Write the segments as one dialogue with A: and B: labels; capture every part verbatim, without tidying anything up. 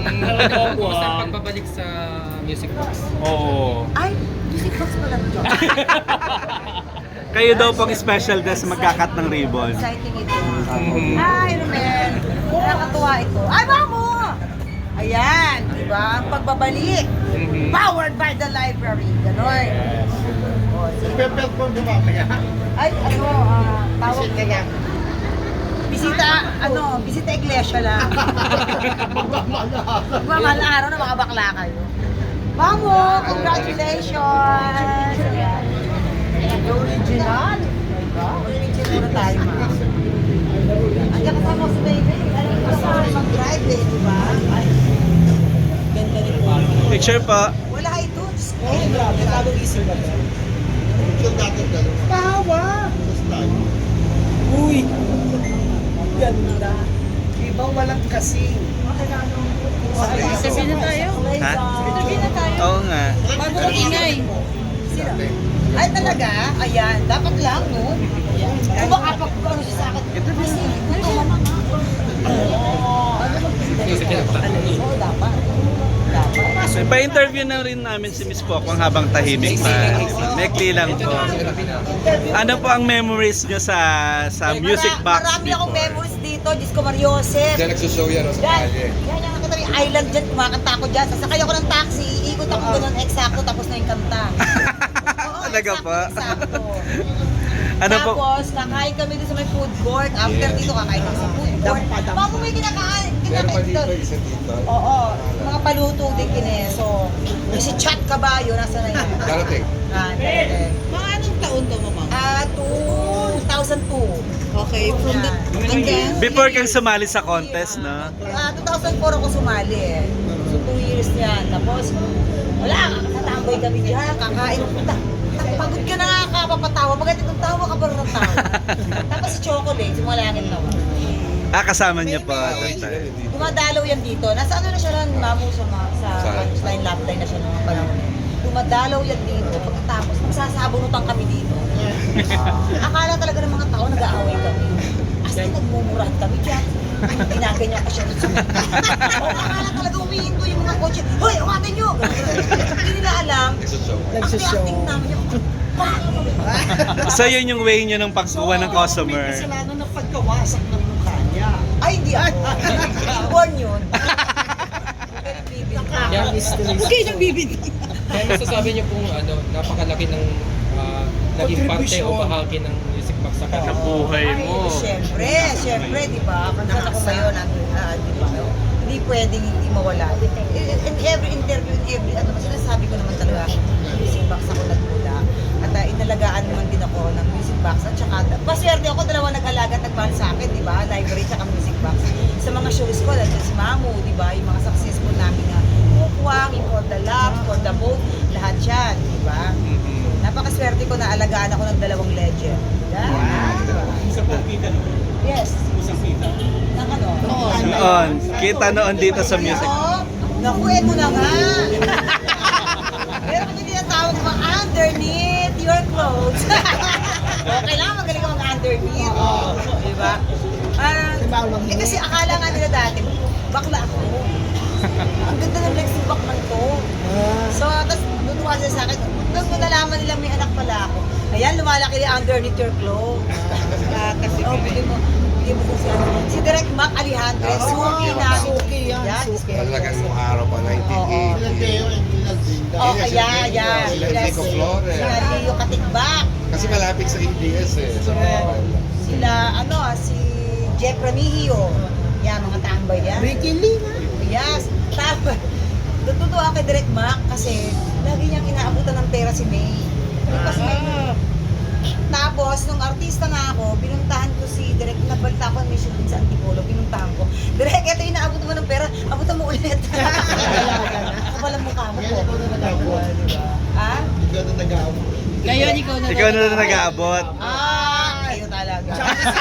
A: Kumusta ang pagbabalik sa Music Box?
B: Oo.
C: Ay, music box pala ito.
D: Kayo daw pang special guest magkakat ng ribbon.
C: Exciting ito.
B: Mhm.
C: Ay, Romel. Nakakatuwa ito. Ay, mamo! Ayan, di ba? Ang pagbabalik.
B: Mhm.
C: Powered by the library. Ganon. Oh, sige.
E: Perform mo mamaya.
C: Ay, ano, ah, tawag kaya. Bisita, ano, bisita iglesia lang. Magmamahal na araw na mga bakla kayo. Mamo, congratulations! Ayan. The original. My God, original na tayo, ma. Andiyan kasama ko si baby. Alam mo sa mag-drive eh, di ba? Ay, ganda rin po.
D: Picture pa.
C: Wala ito. Diyos ko. Ay, grabe. Nagkabog isip ba ito?
E: Yung dating dalawa.
C: Tawa! Uy! Ganda.
E: Ibang walang kasing.
C: Sabi na tayo.
D: Ha?
C: Sabi na tayo.
D: Oo nga.
C: Bago ang ingay. Sino? Ay talaga? Ayan. Dapat lang, no? Kung baka pag ano siya sa akin. Kasi, ito naman nga. Oo, dapat. Dapat.
D: So, pa-interview na rin namin si Miss Pokwang habang tahimik pa. Mekli lang po. Ano po ang memories nyo sa sa music box
C: Marami akong
D: before?
C: memories dito. Diyos ko, Mariosep.
E: Diyan nagsushow yan o sa
C: Yan,
E: kalye.
C: yan yung nakita yung island dyan, kumakanta ako dyan. Sasakay ako ng taxi, iikot ako ganun, eksakto, tapos na yung kanta. Oo,
D: Talaga
C: eksakto,
D: pa?
C: eksakto.
D: Ano po?
C: Tapos, kakain kami dito sa may food court. After
E: Yes.
C: dito, kakain kami sa food court. Mamo may kinakain,
E: Meron pa
C: kinakain
E: dito,
C: dito.
E: isa dito.
C: Oo, mga paluto din kineso. Yung si Chat Caballo, nasa na yun?
E: Darating.
C: Ah, darating.
F: Mga anong taon to, mama?
C: Ah, two thousand two.
F: Okay, from the... Hanggang...
D: Before kang sumali sa contest, no?
C: Ah, two thousand four ako sumali eh. So, two years yan. Tapos, wala, natamboy kami dyan, kakain. Ta- ta- Pagod ka na nga kapapatawa. Pagkat itong tawa ka pa rin ng tawa. Tapos si Chocolate, si Malangin nawa.
D: Ah, kasama niya pa. that time.
C: Dumadalaw yan dito. Nasa ano na siya rin, mamu sa, ma- sa
E: Saan?
C: punchline, lap line na siya nung panahon. Dumadalaw yan dito. Pagkatapos, magsasabunutan kami dito. Akala talaga ng mga tao, nag-aaway kami. As in, nagmumurahan kami dyan. Ginaganyan ka siya rin sa mga. O, akala talaga umihinto yung mga kotse. Hoy, umatin nyo! Hindi nila alam.
E: Nagsushow.
C: Ang acting namin yung,
D: So yun yung way nyo ng pagkuha ng customer.
F: Kasalanan ng pagkawasak ng mukha niya.
C: ay, hindi ako. Inborn yun. Very vivid.
A: Yan,
F: Huwag kayo nang bibig.
A: Kaya masasabi niyo pong ano, napakalaki ng ah, naging parte o bahagi ng Music Box sa
B: Sa buhay
C: Ay,
B: mo.
C: Siyempre, siyempre, di ba? Kung saan ako ngayon, uh, di ba? Hindi pwedeng hindi mawala. In, in every interview, in every, ano, sinasabi ko naman talaga, music box ako nagmula. At uh, inalagaan naman din ako ng music box. At saka, paswerte ako, dalawa nag-alaga at nagmahal sa akin, di ba? Library at music box. Sa mga shows ko, dahil si Mamu, di ba? Yung mga successful namin na kukwang, yung For the Love, For the Boat, lahat yan, di ba? Napakaswerte ko na alagaan ako ng dalawang legend. Yan.
B: Sa pagkita naman.
C: Yes.
B: Sa kita.
C: Ng ano?
D: Noon. Kita noon dito sa music.
C: Oo. Naku, eto na nga. Pero kung hindi na tawag ko, underneath your clothes. Okay lang, magaling ka mag-underneath. Di ba? Parang, eh kasi akala nga nila dati, bakla ako. Ang ganda ng flexing back man to. So, tapos tutuwa sila sa akin, tapos nalaman nila may anak pala ako. Ayan, lumalaki yung underneath your clothes. Ah, kasi, oh, bili mo, bili mo kasi ano. Si Direk Mac Alejandro, suki na.
F: Suki yan,
C: Yan,
F: suki.
E: Talagang nung araw pa, nineteen eighty.
C: Oh, kaya, yan.
E: Sila Rico Flores.
C: Sila Leo Katigbak.
E: Kasi malapit sa A B S eh. So,
C: Sila, ano, si Jeff Ramihio. Yan, mga tambay yan.
F: Ricky Lee.
C: Yes. Tapos, tutuwa kay Direk Mac kasi lagi niyang inaabutan ng pera si May. Di ba si May? Tapos, nung artista nga ako, binuntahan ko si Direk, nagbalita ko may shoot din sa Antipolo, binuntahan ko. Direk, eto yung inaabutan mo ng pera, abutan mo ulit. Kapal ang mukha mo po. Ha?
F: Ngayon, ikaw na
D: Ikaw na lang nag-aabot.
C: Ah, kayo talaga.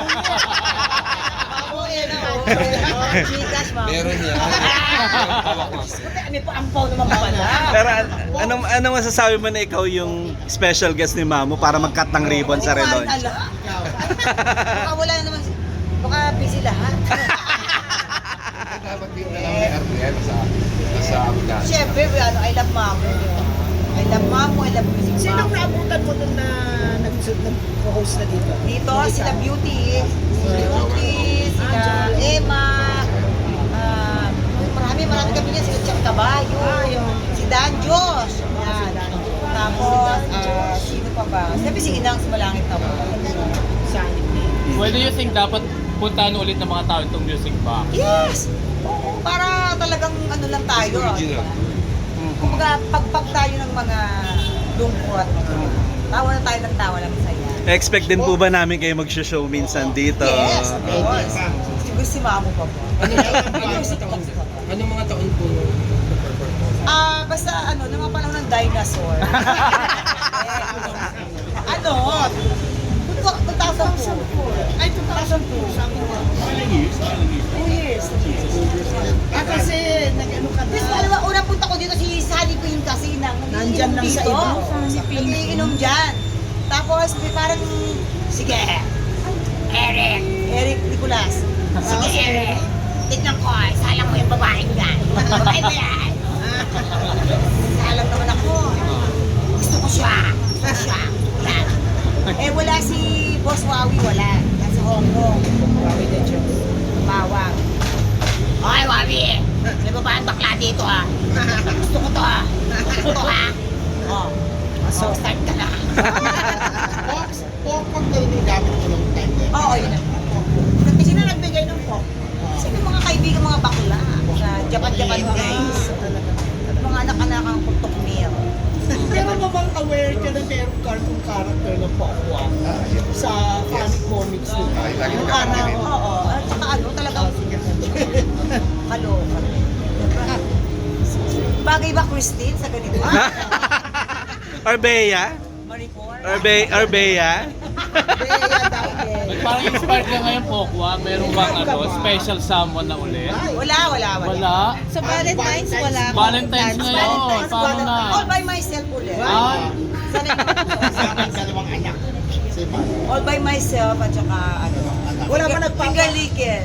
C: Ako eh, no? Chicas, ma'am.
E: meron yan.
C: Puti, may paampaw naman pala.
D: Pero an- anong, anong masasabi mo na ikaw yung special guest ni Mamu para mag-cut ng ribbon sa
C: Hindi ko
D: relaunch?
C: alam. Baka wala naman, baka busy lahat.
E: Dapat Pin na lang ni Ariel sa nasa Afghanistan.
C: Siyempre, ano, I love Mamo. I love Mamo, I love music
F: Sinong
C: Mamo.
F: naabutan mo nun na nag- nag-host na dito?
C: Dito, sila Beauty, si Beauty, sila Emma, ah, marami, marami kami niya, sila Chang Caballo, si Dan Josh, yan. Tapos, ah, sino pa ba? Siyempre si Inang sa Malangit na po.
B: Why do you think dapat puntahan ulit ng mga tao itong music box?
C: Yes! Oo, para talagang ano lang tayo. ah.
E: Original.
C: Kumbaga, pagpag tayo ng mga lungkot, tawa na tayo ng tawa lang saya.
D: Expect din po ba namin kayo mag-show minsan dito?
C: Yes, of course. Siguro si Mamo pa po.
A: Ano ano mga taon? Ano mga taon po nung nag-perform po?
C: Ah, basta ano, nung mga panahon ng dinosaur. Eh, ano? two thousand four. Ay, two thousand two. Sabi ko.
B: Ilang years? Ilang years?
C: Two years.
F: Ah, kasi nag-ano ka
C: Tapos
F: na.
C: alam mo, unang punta ko dito si Sunny Queen kasi nang
F: Nandyan lang sa iba.
C: Nagiinom dyan. Tapos may parang, sige, Eric, Eric Nicolas. Sige, Eric. Tignan ko, salang mo yung babaeng yan. Babae ba yan? Salang naman ako. Gusto ko siya. Gusto ko siya. Yan. Eh wala si Boss Wawi, wala. Nasa Hong Kong. Wawi na Diyos. Bawang. Okay, Wawi. May babaeng bakla dito ha. Gusto ko to ha. Gusto ko to ha. Oh. So, start ka na.
F: Box, pokpok kayo yung gamit ko ng time na yun.
C: Oo, yun na. Sino nagbigay ng pop? Kasi yung mga kaibigan, mga bakla. Sa Japan-Japan days. At mga anak-anakang putok meal.
F: Pero mo bang aware ka na merong cartoon character na Pokwa
E: Ah, yes.
F: sa funny comics nila?
E: Ay, lagi
C: Yung
E: nagkakarinig.
C: ano, oo. At saka ano, talagang kaloka. Bagay ba, Christine, sa ganito?
D: Arbeya?
C: Maricor?
D: Arbe Arbeya?
B: Parang inspired ka ngayon, Pokwa. Meron bang ano, special someone na ulit?
C: Wala, wala, wala.
B: Wala?
G: Sa Valentine's, wala akong
B: Valentine's
G: plans.
B: ngayon.
C: Valentine's,
B: Paano na?
C: All by myself ulit.
B: Ay,
C: Sanay naman ako.
F: Sa akin, dalawang anak. Si Mano.
C: All by myself at saka ano.
F: Wala pa nagpapa-
C: Pingalikin.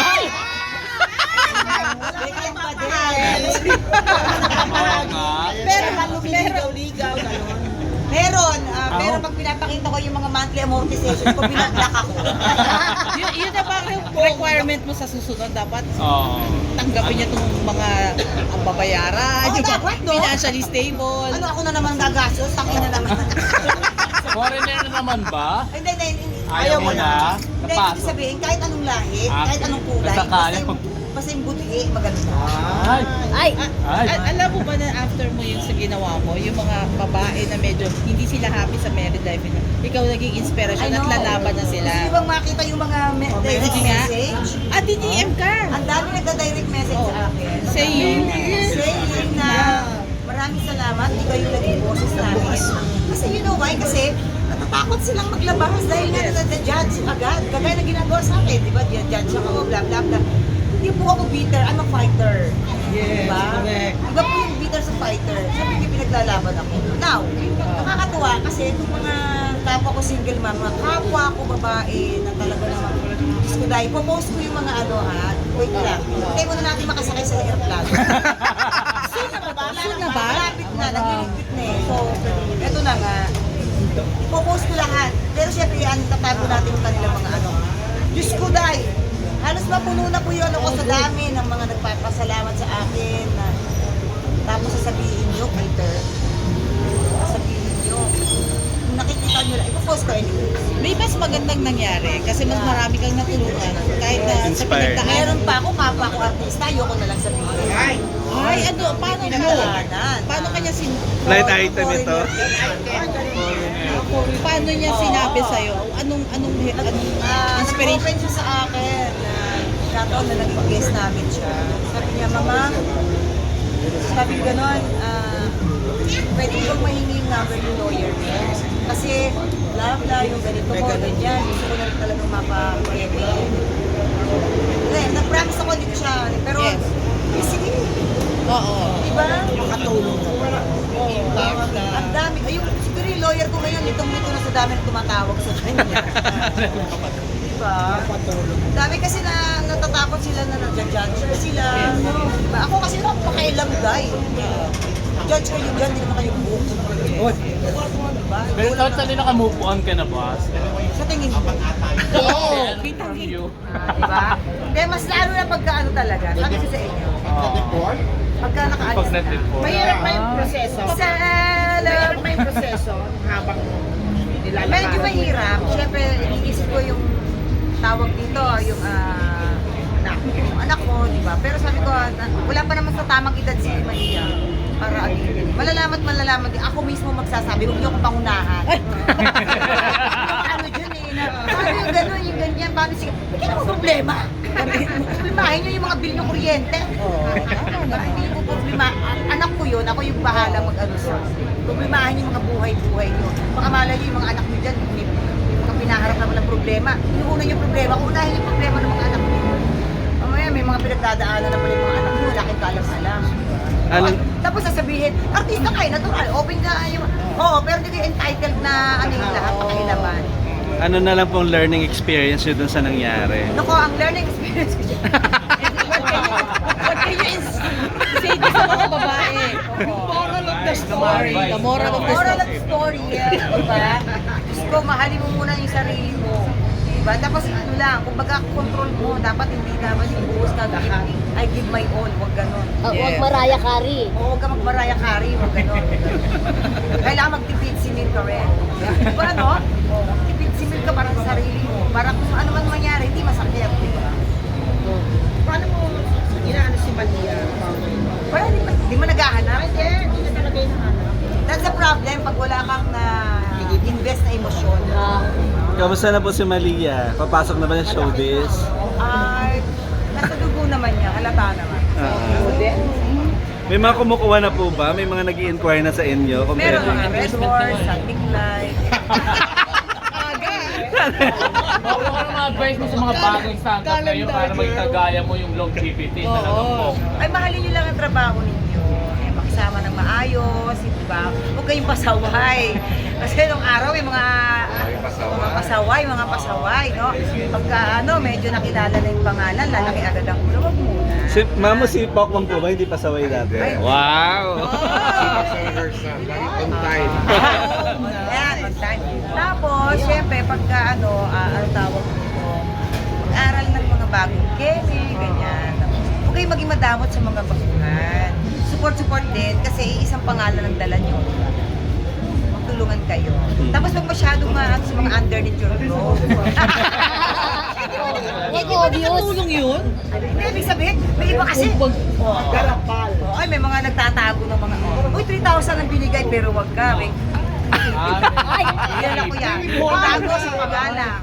C: Likin pa din.
B: oo nga.
C: Pero,
F: Ligaw, ligaw, gano'n.
C: meron, ah, pero pag pinapakita ko yung mga monthly amortization ko, binagdak ako.
G: yun, yun na ba yung requirement mo sa susunod? Dapat
B: Oo.
G: tanggapin niya itong mga ang babayaran,
C: Oo,
G: yung
C: dapat, no?
G: financially stable.
C: Ano ako na naman gagastos? Takin na naman.
B: Foreigner na naman ba?
C: Hindi, hindi, hindi.
B: Ayaw mo na?
C: Hindi, ibig
B: Napasok?
C: sabihin, kahit anong lahi,
B: Ah,
C: kahit anong kulay,
B: basta
C: basta
B: kaya
C: yung,
B: pag-
C: basta yung buti, maganda.
B: Ay,
G: Ay,
B: ay.
G: al- alam mo ba na after mo yung sa ginawa mo, yung mga babae na medyo hindi sila happy sa married life nila, ikaw naging inspirasyon at lalaban na sila.
C: Gusto nyo bang makita yung mga me- direct
G: Sige nga.
C: message?
G: At D M ka.
C: Ang dami nagda-direct message
G: Oh.
C: sa akin.
G: Saying,
C: Saying na maraming salamat, ikaw yung naging boses namin. Kasi you know why? Kasi natatakot silang maglabas dahil nga na-judge agad. Kagaya na ginagawa sa akin, di ba? Judge ako, bla bla bla. Hindi po ako bitter, I'm a fighter.
F: Yes,
C: Diba?
F: correct.
C: Iba po yung bitter sa fighter. Sabi ko, pinaglalaban ako. Now, nakakatuwa kasi itong mga kapwa ko single mom, mga kapwa ko babae na talaga naman, Diyos ko dahil, popost ko yung mga ano ha, wait lang. Hindi mo na natin makasakay sa airplane. Soon na ba?
G: Soon na ba?
C: Malapit na, nagliligpit na eh. So, eto na nga. Ipopost ko lahat. Pero syempre, yan, tatago natin yung kanilang mga ano. Diyos ko dahil, halos mapuno na po yun ako sa dami ng mga nagpapasalamat sa akin. Na, tapos sasabihin nyo, Peter, sasabihin nyo, kung nakikita nyo lang, ipopost ko anyway.
G: may mas magandang nangyari kasi mas marami kang natulungan kahit na sa
D: Inspired.
G: pinagdaan.
C: Meron pa ako, kapwa ko artista, ayoko na lang sabihin.
F: Ay,
G: Ay, ano, paano mo?
C: Pinagdaanan.
G: Paano kanya sin...
D: Light item ito.
G: Paano niya sinabi sa'yo? Anong, anong, anong
C: Ah,
G: inspiration?
C: nag-open siya sa akin na kataon na naging guest namin siya. Sabi niya, Mama, sabi ko gano'n, ah, pwede ko bang mahingi yung number yung lawyer niya? Kasi, bla bla, yung ganito mo, ganyan, gusto ko na rin talagang mapa-pwede. Eh, nag-promise ako, hindi ko siya, pero,
G: Yes.
C: eh, sige,
G: Oo.
C: diba?
F: makatulong ka pa. Impact na.
C: Ang dami, ayun, siguro yung lawyer ko ngayon, itong nito na sa dami na tumatawag sa kanya. Diba? Dami kasi na natatakot sila na nag-judge sila. Diba? Ako kasi napakailang guy. Judge kayo dyan, hindi naman kayo book. Diba?
B: Pero totally naka-move on ka na, boss.
C: Sa tingin ko.
B: Oo. From you.
C: Ah, diba? Kaya mas lalo na pagka ano talaga. Sabi ko sa inyo. Pagka nakaalis
B: Pag
C: na.
B: nag-deport.
F: Mahirap pa yung proseso.
C: Sa
F: Mahirap pa yung proseso habang nilalakaran.
C: medyo mahirap. Siyempre, iniisip ko yung tawag dito, yung ah, anak, yung anak ko, di ba? Pero sabi ko, ah, wala pa naman sa tamang edad si Maria. Para ano, malalaman, malalaman din. Ako mismo magsasabi, huwag niyo akong pangunahan. Ano dyan eh, na, paano yung gano'n, yung ganyan, paano sige, hindi mo problema. Problemahin niyo yung mga bill ng kuryente. Hindi ko problema. Anak ko yun, ako yung bahala mag-ano sa. Problemahin yung mga buhay-buhay niyo. Baka malay niyo yung mga anak niyo dyan, may, may mga pinaharap naman ng problema. Inuuna yung problema, unahin yung problema ng mga anak niyo. Mamaya may mga pinagdadaanan na pala yung mga anak niyo, wala kayong kaalam-alam.
D: Ano?
C: Tapos sasabihin, artista kayo, natural, open ka yung... Oo, pero hindi kayo entitled na ano yung lahat, pakilaman.
D: Ano na lang pong learning experience nyo dun sa nangyari?
C: Naku, ang learning experience ko dyan.
G: What can you ins- say to sa mga babae?
F: Moral of the story.
G: The moral of the
C: Moral of
G: story.
C: the story, yeah, diba? Diyos ko, mahalin mo muna yung sarili mo. Diba? Tapos ano lang, kung baga control mo, dapat hindi naman yung buhos ka, I give my all, huwag ganon.
H: Uh, Huwag Mariah Carey.
C: O huwag ka mag-Mariah Carey, huwag ganon. Kailangan magtipid simil ka rin. Diba ano? O, magtipid simil ka para sa sarili mo. Para kung ano man mangyari, hindi masakit, diba?
F: Paano mo inaano si Malia?
C: Wala, di mo, di mo naghahanap.
F: Hindi, hindi na talaga hinahanap.
C: That's the problem pag wala kang na invest na emosyon.
D: Kamusta na po si Malia? Papasok na ba ng showbiz?
C: Ay, nasa dugo naman niya, halata naman.
D: Ah. May mga kumukuha na po ba? May mga nag inquire na sa inyo?
C: Meron
D: Compared-
C: mga Red Horse, Big Light.
B: Ano ka mga advice mo sa mga bagong stand-up ngayon para maging kagaya mo yung longevity talagang po?
C: Ay, mahalin niyo lang ang trabaho ninyo. Eh, makisama ng maayos, di ba? Huwag kayong pasaway. Kasi nung araw, may mga
E: Ay, pasaway.
C: mga pasaway, mga pasaway, no? Pagka ano, medyo nakilala na yung pangalan, lalaki agad ang ulo, wag muna.
D: Si, mamo si Pokemon po ba? Hindi pasaway dati?
C: Ay.
D: Wow!
E: Lagi on time.
C: Yan, on time. Tapos, syempre, pagka ano, ah, ano tawag dito, mag-aral ng mga bagong keme, ganyan. Huwag kayong maging madamot sa mga baguhan. Support-support din, kasi isang pangalan ang dala nyo. Magtulungan kayo. Tapos huwag masyadong ma sa mga underneath your clothes.
H: Huwag obvious.
G: Tulong yun?
C: Hindi, ibig sabihin, may iba kasi. Oh,
F: Garapal.
C: oh, ay, may mga nagtatago ng mga, oh, uy, three thousand ang binigay, pero wag ka. May, ay, yan ako yan. Tago sa pangalan.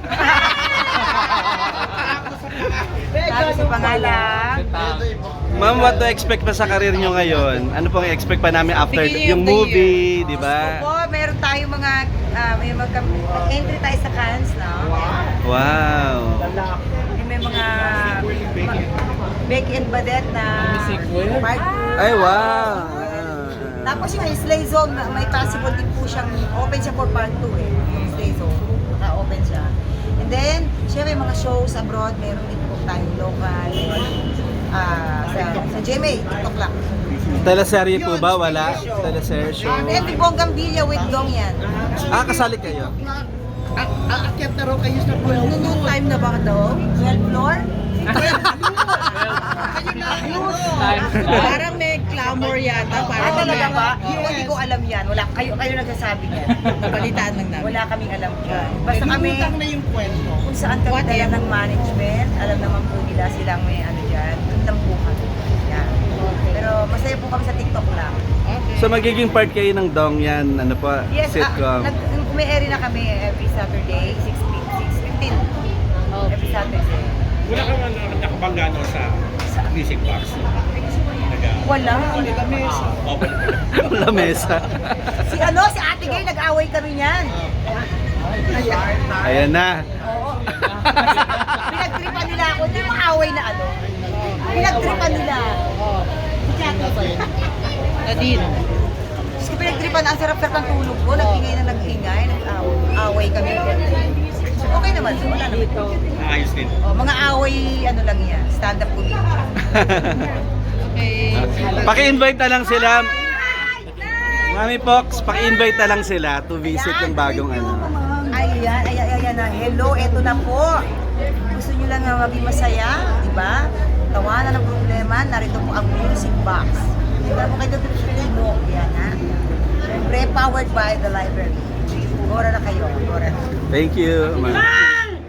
C: Tago sa pangalan.
D: Ma'am, what to expect pa sa karir nyo ngayon? Ano pong expect pa namin after
G: Beginning
D: yung
G: of the
D: movie, di
C: Opo,
D: ba?
C: meron tayong mga, ah, may mga, entry tayo sa Cannes, no?
D: Wow!
C: May mga, Becky and Badette na, part two.
D: Ay, wow!
C: Tapos yung Slay Zone, may possible din po siyang, open siya for part two eh, yung Slay Zone, naka-open siya. And then, syempre mga shows abroad, meron din po tayong local, ah sa, sa G M A, TikTok lang.
D: Teleserye po ba? Wala? Teleserye show?
C: Um, every Bonggang Villa with Dong yan.
D: Ah, kasali kayo?
F: Aakyat na raw kayo sa twelve.
C: Ano yung time na ba daw? twelfth floor?
B: Times that.
G: Parang may clamor yata.
C: Ah,
G: Parang
C: talaga
G: may-
C: ba? Yung hindi ko alam yan. Wala, kayo, kayo nagsasabi yan.
G: Balitaan lang namin.
C: Wala kaming alam yan. Basta kami,
F: Lumutang na yung kwento.
C: kung saan kami
G: What
C: dala
G: if?
C: ng management, alam naman po nila silang may ano dyan, doon lang po kami. Yan. Pero masaya po kami sa TikTok lang.
G: Okay.
D: So magiging part kayo ng Dong yan, ano po,
C: Yes, ah,
D: sitcom.
C: nag, umi-airy na kami every Saturday, six fifteen. Every Saturday.
I: Wala ka man nakabangga no sa music box. Naga
C: Wala.
I: open.
D: Lamesa.
C: Si ano, si Ate Gay, nag-away kami niyan.
D: Ayan na.
C: Oo. Pinagtripan nila ako, hindi mo away na ano. Pinagtripan nila. Si Ate Gay.
G: Nadine.
C: Kasi pinagtripan, ang sarap-sarap ng tulog ko, nag-ingay na nag-ingay, nag-away kami. Okay naman, wala naman.
I: Ayos din.
C: Oh, mga away, ano lang yan, stand-up comedian.
G: Okay.
D: Paki-invite na lang sila. Mami Pox, paki-invite na lang sila to visit yung bagong ano.
C: Ayan, ayan, ayan na. Hello, eto na po. Gusto nyo lang nga maging masaya, di ba? Tawanan ng problema, narito po ang music box. Tingnan mo kayo dito sa mo. Yan, ha? Siyempre, powered by the library. Gora na kayo, gora na.
D: Thank you, ma'am.